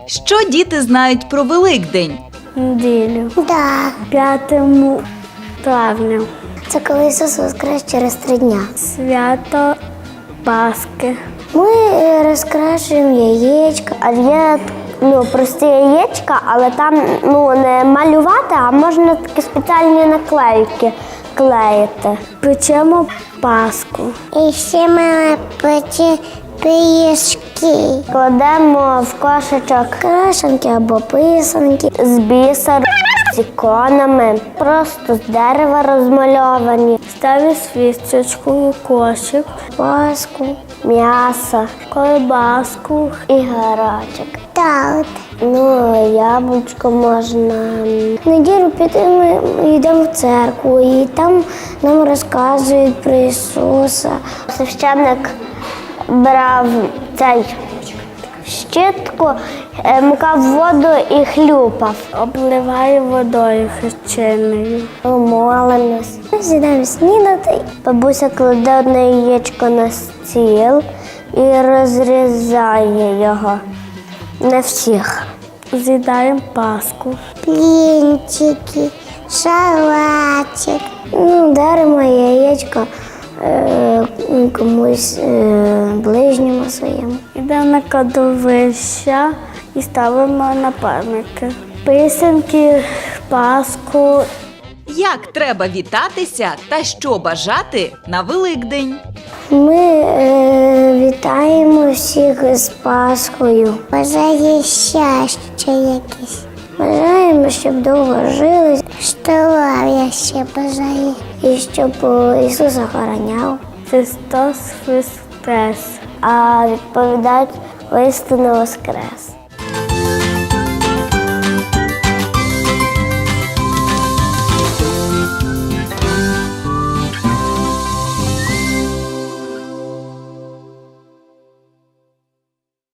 Що діти знають про Великдень? Неділю. Да. 5 травня. Це коли Ісус воскрес через 3 дня. Свято Пасхи. Ми розкрашуємо яєчка, а є прості яєчка, але там не малювати, а можна такі спеціальні наклейки клеїти. Печемо Пасху. І ще ми печемо пиріжки. Кладемо в кошечок крашенки або писанки з бісеру, з іконами, просто з дерева розмальовані. Ставлю свічечку, кошик, Паску, м'ясо, колбаску і гарачок. Так. Яблучко можна. В неділю ми йдемо в церкву і там нам розказують про Ісуса. Священник брав щітку, макав воду і хлюпав. обливаю водою хрещеною. Молимось. Ми сідаємо снідати. Бабуся кладе одне яєчко на стіл і розрізає його. Не всіх. З'їдаємо Пасху. Блінчики, шалатик. Даримо яєчко комусь ближньому своєму. Йдемо на кладовище і ставимо на пам'ятки. Писанки, Пасху. Як треба вітатися та що бажати на Великдень? Ми вітаємо всіх з Пасхою. Бажаю щастя якесь. Бажаємо, щоб довго жили. Здоров'я ще бажаю. І щоб Ісус охороняв. Христос Воскрес. А відповідають, воістину воскрес.